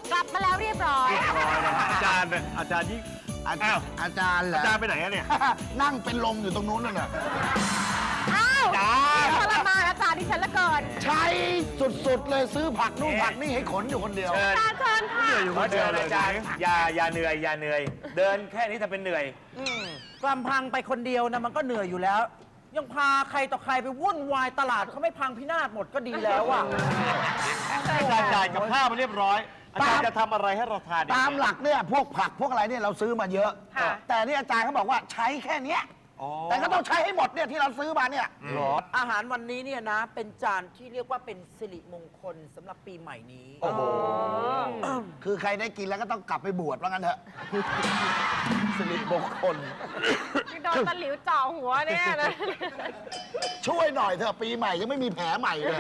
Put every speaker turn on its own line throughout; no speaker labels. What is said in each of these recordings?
กลับมาแล้วเรียบร้อย
อาจารย์เนี่ยอาจารย์ยิ่ง
อาจารย์เหรอ
อาจารย์ไปไหนอะเนี่ย
นั่งเป็นลมอยู่ตรงนู้นน่ะ
อ้าวทรมานอาจารย์ดิฉันละเกิน
ใช้สุดๆเลยซื้อผักนู่นผักนี่ให้ขนอยู่คนเดียว
อาจารย์เชิญค่ะ
อยู่
ข
ค
อน
เดี
เชิ
ยว
ญ
เลย
อาจารย์อย่าเหนื่อยอย่าเหนื่อย เดินแค่นี้ทำเป็นเหนื่อย
ลำพังไปคนเดียวนะมันก็เหนื่อยอยู่แล้ว ยังพาใครต่อใครไปวุ่นวายตลาดเขาไม่พังพินาศหมดก็ดีแล้วอ่ะ
อาจารย์จ่ายกับข้าวมาเรียบร้อย อาจารย์จะทำอะไรให้เราทานดี
ตามหลักเนี่ยพวกผักพวกอะไรเนี่ยเราซื้อมาเยอะ
ค่ะ
แต่นี่อาจารย์เขาบอกว่าใช้แค่เนี้ยแต่ก็ต้องใช้ให้หมดเนี่ยที่เราซื้อมาเนี่ย
อาหารวันนี้เนี่ยนะ เป็นจานที่เรียกว่าเป็นสิริมงคลสำหรับปีใหม่นี้
โอ้โห คือใครได้กินแล้วก็ต้องกลับไปบวชว่างั้นเถอะสิริมงคล
โดนตะหลิวจ่อหัวเนี่ยนะ
ช่วยหน่อยเถอะปีใหม่ยังไม่มีแผลใหม่เลย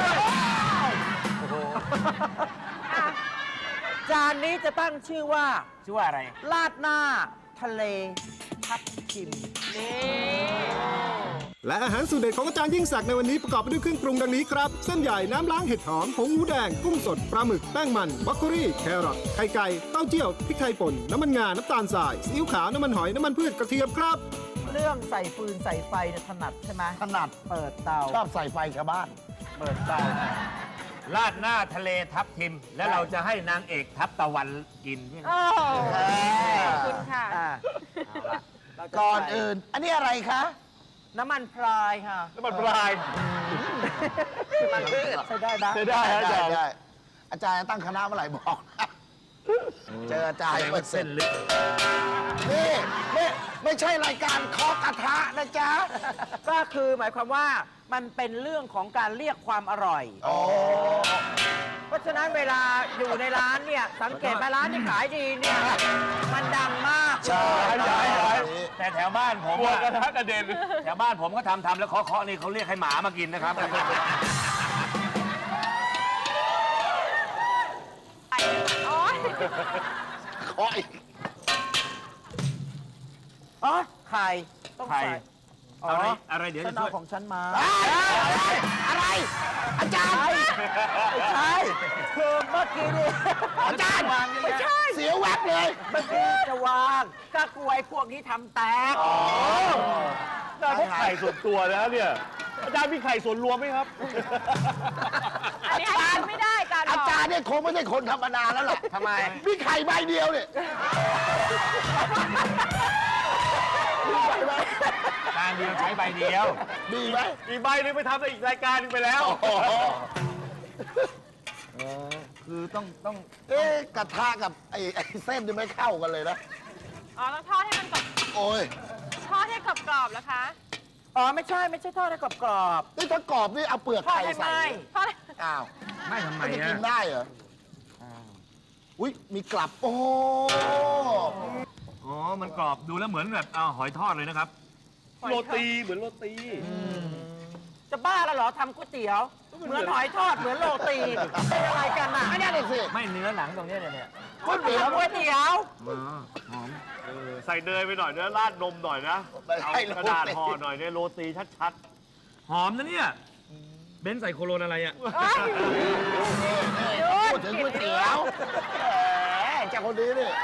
จานนี้จะตั้งชื่อว่า
ชื่อว่าอะไร
ลาดหน้าทะเลทับทิม
และอาหารสูตรเด็ดของอาจารย์ยิ่งศักดิ์ในวันนี้ประกอบไปด้วยเครื่องปรุงดังนี้ครับ เส้นใหญ่น้ำล้างเห็ดหอมผงหมูแดงกุ้งสดปลาหมึกแป้งมันบรอกโคลีแครอทไข่ไก่เต้าเจี้ยวพริกไทยป่นน้ำมันงาน้ำตาลทรายซีอิ๊วขาวน้ำมันหอยน้ำมันพืชกระเทียมครับ
เรื่องใส่ฟืนใส่ไฟเนี่ยถนัดใช่ไหม
ถนัด
เปิดเตา
ชอบใส่ไฟชาวบ้าน
เปิดเตา
ลาดหน้าทะเลทับทิม และเราจะให้นางเอกทับตะวันกินใช่ไหม
โอ้ขอบคุณค่ะ
อ่า
เอาละ
ก่อนอื่น อันนี้อะไรคะ
น้ำมันพรายค่ะ
น้ำมันปลาย
มันพืชใช้ได้นะ
ได้อาจารย์
ได้อาจารย์ตั้งคณะเมื่อไหร่บอกนะเจออาจารย์
แสดงว่าเส้นลึก
นี่ไม่ใช่รายการเคาะกระทะนะจ๊ะ
ก็คือหมายความว่ามันเป็นเรื่องของการเรียกความอร่อย
โอ้
เพราะฉะนั้นเวลาอยู่ในร้านเนี่ย สังเกตไหมร้านที่ขายดีเนี่ย มันดังมาก
ใช่
แต่แถวบ้านผม
หัว
อะ
กระทะกระเด็น
แถวบ้านผมก็ทำแล้วเคาะๆนี่เขาเรียกให้หมามากินนะครับ
โอ๊ย
เคาะอีก
อ๋อไข่ต้อง
ไข่
ใส่อ๋อ
อะไรเดี๋ยว
ฉั
จะ
น
ช่
เอา
วย
ของฉันมา
อะไร อาจารย์
ไม่ใช่คือเมื่อกี้นี่
อาจารย์
วางนี่
ไม่
นะ
ใช่เสียแวบเลย
เมื่อกี้จะวางก็กลัวไอ้พวกนี้ทำแตก
อาจารย์พวกไข่ส่วนตัวแล้วเนี่ย อาจารย์มีไข่ส่วนรวมไหมครับ
อันนี้ให้กินไม่ได้การ
อาจารย์เนี่ยคงไม่ใช่คนธรรมดาแล้วล่ะ
ทำไม
มีไข่ใบเดียวเนี่ยมีใบไหม
การเดียวใช้ใบเดียว
มีไหม
อีกใบหนึงไปทำในอีกรายการหนึงไปแล้ว
คือต้องกระทะกับไอ้เส้นนี่ไม่เข้ากันเลยนะ
อ๋อต้องทอดให้มันกรอบ
โอ้ย
ทอดให้กรอบๆแล้วคะ
อ๋อไม่ใช่ทอดให้กรอบ
นี่ถ้ากรอบนี่เอาเปลือก
ทอด
ไข่
ให้
ใส่
ไหม
ทอด
อ้าว
ไม่ทำไม
ไม่ได้
อะ
กินได้เหรออุ้ยมีกลับ โอ้
อ๋อ มันกรอบดูแล้วเหมือนแบบเอาหอยทอดเลยนะครับ
โรตีเหมือนโรตี
ๆจะบ้าแล้วเหรอทำก๋วยเตี๋ยว เหมือนหอยทอดเหมือนโรตีเป็นอะไรกันน่ะ
ไม่ได้เลยสิ
ไม่เนื้อหนังตรงเนี้ยเนี่ย
ก๋วยเตี๋ยว
ก๋วยเตี๋ยว
หอม
ใส่เนยไปหน่อยนะราดนมหน่อยนะ
ไม่
เอา
ให้
กระดาษห่อหน่อยเนี่ยโรตีชัด
หอมนะเนี่ย เบนซ์ใส่โคโรนอะไรอ่ะ
พูดถึงก๋วยเตี๋ยวแหมจากคนนี้นี่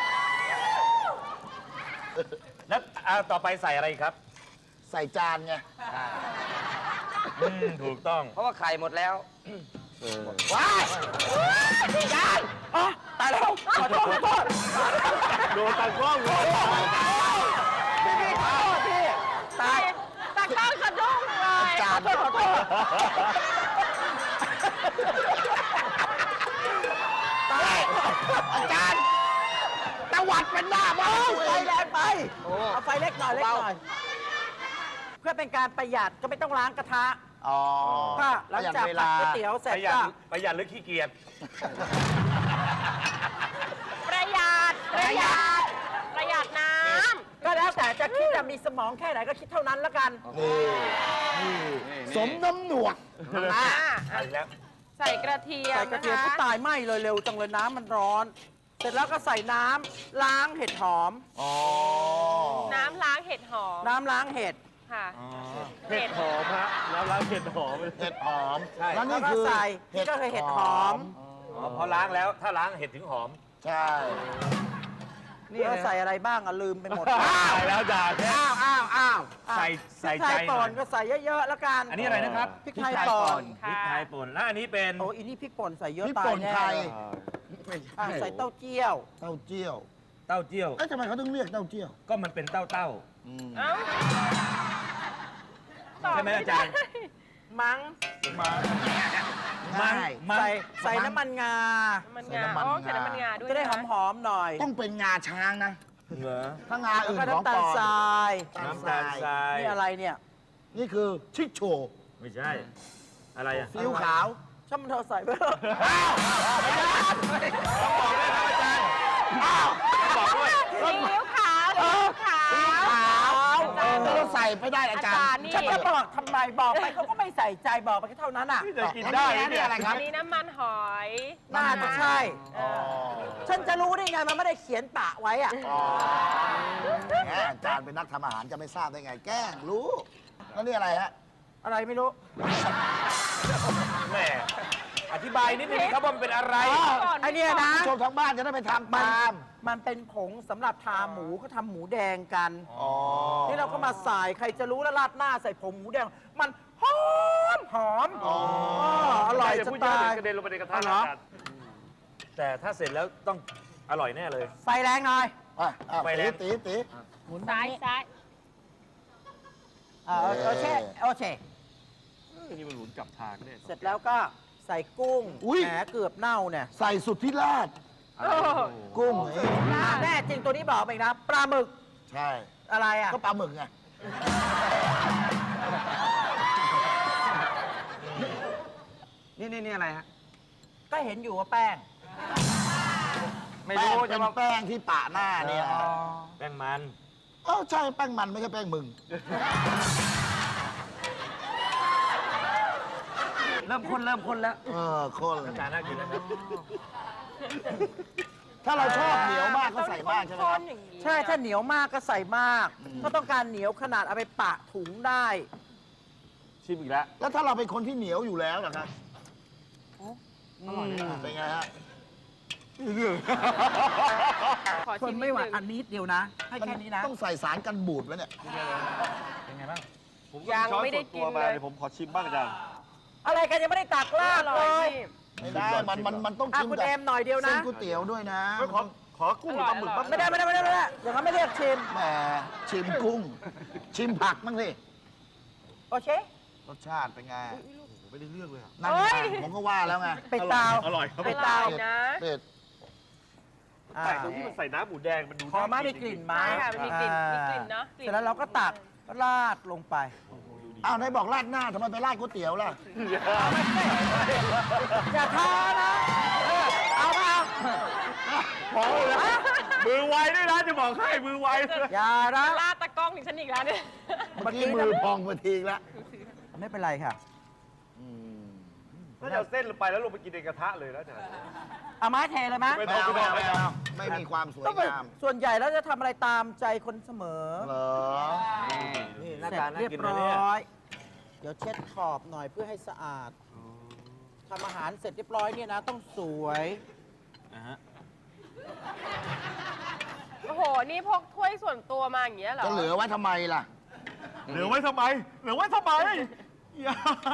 แล้วต่อไปใส่อะไรครับ
ใส่จานไง
ถูกต้อง
เพราะว่าไข่หมดแล้ว
ว้ายจาน
อ๋อตายแล้วขอโทษ
ๆ โดนตากล้องเลย
พี่ขอโทษพี่ตาย
ตะก้องสะดุ้งเลย
จาน
ขอโทษ
อาจารย์ตะวัดเป็นหน้าบ้าน
ไฟแรงไปเอาไฟเล็กหน่อยเพื่อเป็นการประหยัดก็ไม่ต้องล้างกระทะ
อ๋อ
ก็หลังจากผัดก๋วยเตี๋ยวเสร็จก็
ประหยัดหรือขี้เกียจ
ประหยัดน้
ก็แล้วแต่จะคิดจะมีสมองแค่ไหนก็คิดเท่านั้นแล้วกัน
สมน้ำหนวก
ำอ่า
ใส่แล้ว
ใส่กระเทียม
ใส่กระ
นะ
เทียม
คะ
ก็ตายไหม้เลยเร็วจังเลยน้ำมันร้อน เสร็จแล้วก็ใส่น้ำล้างเห็ดหอม
น้ำล้างเห็ดหอม
น้ำล้างเห็ด
ค่ะ
เห็ดหอมฮะแล้วร้านเห็ดหอม
เห็ดหอม
ใช่
แล้ว
แล้
นี่
วก็
คือ
ใส่นี่ก็คือเห็ดหอม
อ๋อพอล้างแล้วถ้าล้างเห็ดถึงหอม
ใช่
นี่เราใส่อะไรบ้างอะลืมไปหมด
ตายแล้วอาจารย์
อ้าว
ใส่
พริกไท
ใจ
ย
หน่
ป่
อน ย
ก็ใส่เยอะๆแล้วกัน
อันนี้อะไรนะครับ
พริกไทยป่น
พริกไทยป่นแล้วอันนี้เป็น
โอ้อีนี่พริกป่นใส่เยอะ
พริก
ตาย
ป่น
แน่
ไทย
อ่ะใส่เต้าเจี้ยว
เต้าเจี้ยว
เต้าเจี้ยว
เอ๊ะทำไมเขาต้องเรียกเต้าเจี้ยว
ก็มันเป็นเต้า
เอ้า
ใช่ไหมอาจารย์
มั้ง
ง่าย
ใส่น้ำมันงา
มัน
ใส่
งา
น้ำมัน
อ๋อใส่
งา
น้ำมันงาด้วย
จะได้ห
น
อมๆหน่อย
ต้องเป็นงาช้างนะ
เหรอ
ถ้างา
แล้ว
อื่น
ก็
ของ
น้ำตา
ปล
ล
อม
ทราย
น้ำตาลทราย
นี่อะไรเนี่ย
นี่คือชิคโช
ไม่ใช่ อะไรอ่ะ
ซีอิ๊วขาว
ช่างมันเธอะใส่ไปเถอะ
บอกด้วย
ซีอิ๊วขาวซีอิ๊วขาว
เราใส่ไปได้อาจาร
อาจารย์
ย์
นี่
ฉันจะบอกทำไมบอกไปเขาก็ไม่ใส่ใจบอกไปแค่เท่านั้นอ่ะ
นี่จะกินได้ไหม
นี่
เนี่ย
อะไรค
อั
รับ
นนี้น้ำมันหอย
น่าจะใช่
เออ
ฉันจะรู้ได้ไงมันไม่ได้เขียนปะไว้อ่ะ
แหมอาจารย์เป็นนักทำอาหารจะไม่ทราบได้ไง แกล้งรู้ แล้วนี่อะไรฮะ
อะไรไม่รู้
แหมอธิบายนิดนึงครับว่ามันเป็นอะไร
ไอเนี่ยนะ
ผู้ชมทางบ้านจะได้ไปทำตาม
มันเป็นผงสำหรับทาหมูเขาทำหมูแดงกัน
อ๋อ
นี่เราก็มาใส่ใครจะรู้แล้วราดหน้าใส่ผงหมูแดง มันหอมหอมอร่อย
จะ
จะ
พูดเยอะ
ตา
เดี๋ย
ยว
กระเด็นลงไปในกระทะ
เอาเหร
นะ
อ
อาจารย์
แต่ถ้าเสร็จแล้วต้องอร่อยแน่เลย
ไฟแรงหน่อย
ไปแล้
ตี
ว
ตี
ซ้ายซ้าย
โอเคโอเค
นี่มันหลุนกลับทางเนี่ย
เสร็จแล้วก็ใส่กุ้งแหมเกือบเน่าเนี่ย
ใส่สุดที่ราด
โอ้
กุ้ง
แน่จริงตัวนี้บอกไปอีกนะปลาหมึก
ใช่
อะไรอ่ะ
ก็ปลาหมึกไง
นี่อะไรฮะก็เห็นอยู่ว่าแป้ง
ไม่
แป้ง
รู้
เป็
จะ
น
มา
แป้งที่ปะหน้าเนี่ย
แป้งมัน
ใช่แป้งมันไม่ใช่แป้งมึง
เริ่มข้นแล้ว
คน
อาจารย์น่ากินนะครับ
ถ้าเราชอบเหนียวมากก็ใส่มากใช่ไหมครับ
อย่างนี้
ใช่ถ้าเหนียวมากก็ใส่มาก ถ้าต้องการเหนียวขนาดเอาไปปะถุงได้
ชิมอีกแล้ว
แล้วถ้าเราเป็นคนที่เหนียวอยู่แล้วล่ะครับเป็นไงฮะ
ขอ
ท
ชิ
น
ม
ไม่ไหว
นิดนึง
อันนิดเดียวนะ ให้แค่นี้นะ
ต้องใส่สารกันบูดไว้เนี่ย
เป็นไงบ้าง
ผมก็ช้อนส่วนตัวมาเดี๋ยวผมขอชิมบ้างอาจารย์
อะไรกันยังไม่ได้ตักลาด
อร่
เล
อย
ย
พี่
ไม่ได้ มันต้อง
อ่ะ
ชิม
คุณ
กับ
เอมหน่อยเดียว
เส้
นะ
นก๋วยเตี๋ยวด้วยนะ
ไม่ขอกุ้งกับปลาหมึกบ้าง
ไม่ได้อย่างนั้นไม่เรียกชิม
แหมชิมกุ้ง ชิมผักบ้างสิ
โอเค
รสชาติเป็นไง
ไม่ได้เลือกเลยอะ
นั่นไงผมก็ว่าแล้วไง
ไปตาว
อร่อยครับ
ไป
อ
ตา
ร่อ
วย
นะ
เป็ด
อ่า
แต่ตรงที่มันใส่น้ำหมูแดงมันดู
พอมา
น่า
มีกลิ่นไหมา
ใช่ค่ะมันมีกลิ่นมีกลิ่นเนอะกลิ่น
เสร็จแล้วเราก็ตักราดลงไป
อ้าวไหนบอกราดหน้าทำไมไปราดก๋วยเตี๋ยวล่ะ
อย่าท้านะ เอาเปล่า
พอเลยนะมือไวด้วยนะจะบอกให้มือไวด้วย
อย่านะ
ลาดตะกล้องถึงฉันอีกแล้วเนี่ย
เมื่อกี้มือพองมาทีแล้ว
ไม่เป็นไรค่ะ
น่าจะเอาเส้นลงไปแล้วลงไปกินในกระทะเลยแล้วอาจารย์
เอาไม้เทเลยไหม
ไม่
ไม่เอาไม่เอาไม่เอาไม่มีความสวย
ต้องไป
งาม
ส่วนใหญ่แล้วจะทำอะไรตามใจคนเสมอ
เหรอ
นี่หน้า
เสร็จ
ตาน่า
เรียบ
กินเลย
ร้
เนี่ย
อย เดี๋ยวเช็ดขอบหน่อยเพื่อให้สะอาดทำอาหารเสร็จเรียบร้อยเนี่ยนะ ต้องสวย
นะฮะ
โอ้โห นี่พกถ้วยส่วนตัวมาอย่างเงี้ยเหรอ
จะเหลือไว้ทำไมล่ะ
เหลือไว้ทำไมเหลือไว้ทำไมอย่า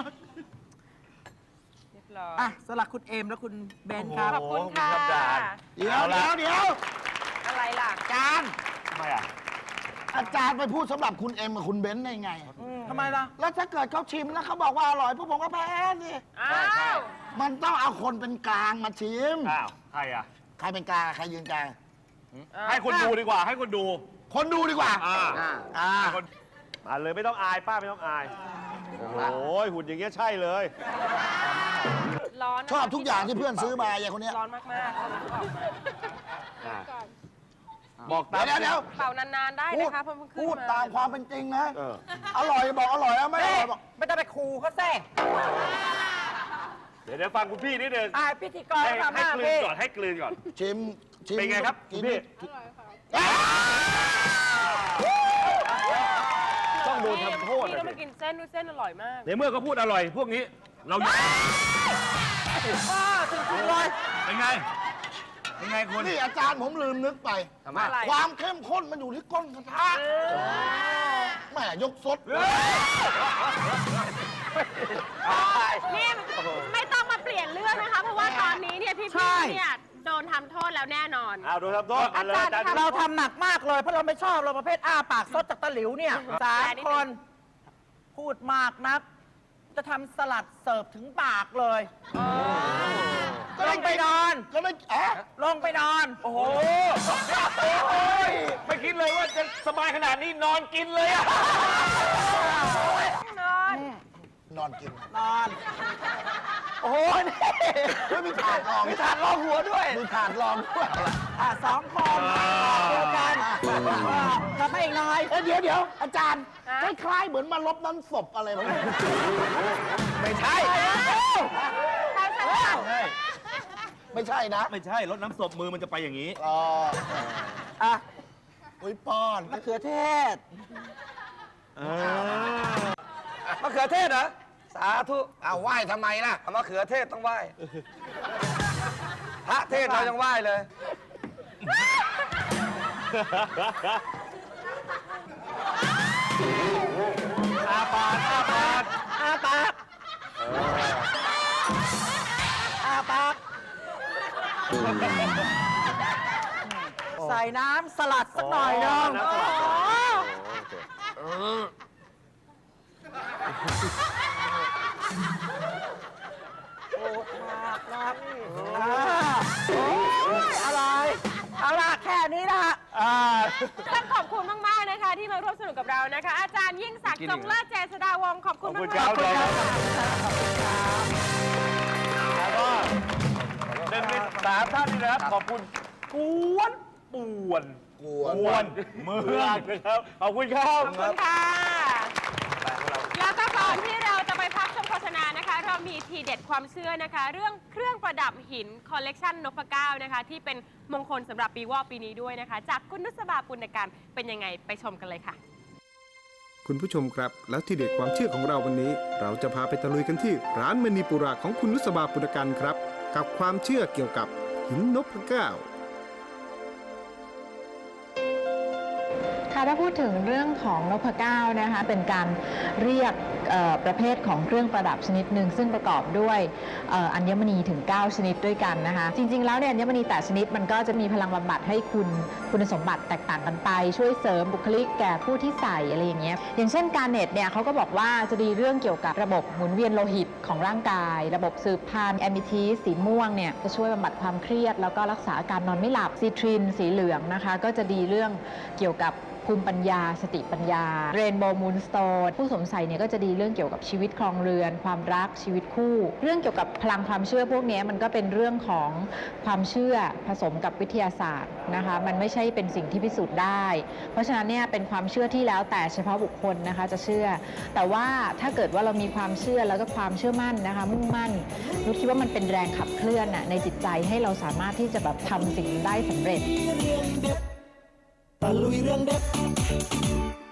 เรียบร้อย
อ่ะสลักคุณเอมและคุณเบนครับ
ขอบคุณค่ะ
เดี๋ยวเดี๋ยว
อะไรล่ะ
อาจารย์
ทำไมอ่ะ
อาจารย์ไปพูดสำหรับคุณเอ็มกับคุณเบนซ์ได้ไง
ทำไมล่ะ
แล้วถ้าเกิดเขาชิมแล้วเขาบอกว่าอร่อยพวกผมก็แพ้สิ
อ้าว
มันต้องเอาคนเป็นกลางมาชิม
อ้าวใครอ่ะ
ใครเป็นกลางใครยืนกลาง
ให้คนดูดีกว่าให้คนดู
คนดูดีกว่า
อ่า คนมาเลยไม่ต้องอายป้าไม่ต้องอาย โอ้ยหุ่นอย่างเงี้ยใช่เลย
ร้อนนะ
ชอบทุกอย่างที่เพื่อนซื้อมาอย่างคนเนี้ย
ร้อนมากๆเอาน้ำออกมา
บอกตาม
เดี๋ยว
เป่านานๆได้
พูด
นะคะเพิ่งขึ้น
พูด
มา
ตามความเป็นจริงนะ
เออ
อร่อยบอกอร่อยแล้วไม่อร่อยบอก
ไม่ต้องไปคูเขาแซ่
เดี๋ยวฟังคุณพี่นิดนึง
อ่ะพิธีกร
ให้
ทำห
ให้
น้าก
ลืน
พี่
ก่อนให้กลืนก่อน
ชิม
เป็นไงครับ
กิน
พี่ ต้องโดนทำโทษ
พี่
อะ
ต้องมากินเส้นด้วยเส้นอร่อยมาก
ในเมื่อเขาพูดอร่อย พวกนี้ เราอยาก
จริงๆเลย
เป็นไง เป็นไงคุณ
นี่อาจารย์ผมลืมนึกไป
ทำไม
ความเข้มข้นมันอยู่ที่ก้นกระทะแหม่ยกซด
นี่ไม่ต้องมาเปลี่ยนเรื่องนะคะ เพราะว่าตอนนี้เนี่ยพี่ๆเนี่ยโดนทำโทษแล้วแน่นอน
เอาดูทำโทษมาเลยอาจารย์
เราทำหนักมากเลย เพราะเราไม่ชอบเราประเภทอ้าปากซดจากตะหลิวเนี่ย3 คน พูดมากนัก จะทำสลัดเสิร์ฟถึงปากเลยลงไปนอน
ก็ไม่อะ
ลงไปนอน
โอ้โหไม่คิดเลยว่าจะสบายขนาดนี้นอนกินเลยอะ
นอนกิน
นอน
โอ้ยนี่ไม่มีถาดรองมีถาดรองหัวด้วย มีถาดรองด้วย
2 คนเดียวกันทำให้อีกหน่อย
เดี๋ยวอาจารย์คล้ายๆเหมือนมาลบน้ำศพอะไรแบบนี้ไม่ใช่ ไม่ใช่นะ
ไม่ใช่รถน้ำศพมือมันจะไปอย่างนี้
อ๋อ
อ่ะ
อุ้ยป้อน
มะเขือเทศ
มะเขือเทศเหรอ สาธุ
อ้าวไหว้ทำไมล่ะ
มะเขือเทศต้องไหว้ พระเทศเรายังไหว้เลย
อาปากอาปาก
อาปากอาปากใส่น้ำสลัดสักหน่อยนึง
น้ำสลัด
โอ้มากครับอะไรเอาล่ะแค่นี้ละ
ต้องขอบคุณมาก ๆ นะคะ ที่มาร่วมสนุกกับเรานะคะ อาจารย์ยิ่งศักดิ์จงเลิศเจษฎาวงศ์ขอบคุณ
ขอบ
มา
คุณ
ก
ครับ
ๆ
แล้วก็เป็นมิตรสามท่านนี่นะครับ ขอบคุณกวนป่วนเมืองนะครับ ขอบคุณครับ
ขอบคุณค่ะ แล้วก็ก่อนที่เราจะไปพักชมโฆษณานะคะ เรามีทีเด็ดความเชื่อนะคะ เรื่องเครื่องประดับหินคอลเลกชันนพเก้านะคะ ที่เป็นมงคลสำหรับปีวอกปีนี้ด้วยนะคะ จากคุณนุสบาปุณการเป็นยังไงไปชมกันเลยค่ะ
คุณผู้ชมครับ แล้วที่เด็ดความเชื่อของเราวันนี้ เราจะพาไปตะลุยกันที่ร้านมณีปุระของคุณนุสบาปุณกันครับ กับความเชื่อเกี่ยวกับหินนพเก้า
ค่ะถ้าพูดถึงเรื่องของนพเก้านะคะเป็นการเรียกประเภทของเครื่องประดับชนิดหนึ่งซึ่งประกอบด้วยอัญมณีถึง9ชนิดด้วยกันนะคะจริงๆแล้วเนี่ยอัญมณีแต่ชนิดมันก็จะมีพลังบำบัดให้คุณสมบัติแตกต่างกันไปช่วยเสริมบุคลิกแก่ผู้ที่ใส่อะไรอย่างเงี้ยอย่างเช่นการเน็ตเนี่ยเขาก็บอกว่าจะดีเรื่องเกี่ยวกับระบบหมุนเวียนโลหิตของร่างกายระบบสืบพันธุ์แอมิทีสีม่วงเนี่ยจะช่วยบำบัดความเครียดแล้วก็รักษาอาการนอนไม่หลับซีทรินสีเหลืองนะคะก็จะดีเรื่องเกี่ยวกับภูมิปัญญาสติปัญญาเรนโบว์มูนสโตนผู้สวมใส่เนี่ยก็จะดีเรื่องเกี่ยวกับชีวิตครองเรือนความรักชีวิตคู่ เรื่องเกี่ยวกับพลังความเชื่อพวกนี้มันก็เป็นเรื่องของความเชื่อผสมกับวิทยาศาสตร์นะคะมันไม่ใช่เป็นสิ่งที่พิสูจน์ได้เพราะฉะนั้นเนี่ยเป็นความเชื่อที่แล้วแต่เฉพาะบุคคลนะคะจะเชื่อแต่ว่าถ้าเกิดว่าเรามีความเชื่อแล้วก็ความเชื่อมั่นนะคะมุ่งมั่นนุชคิดว่ามันเป็นแรงขับเคลื่อนในจิตใจให้เราสามารถที่จะแบบทำสิ่งได้สำเร็จ
ตะลุยเรื่องเด็ด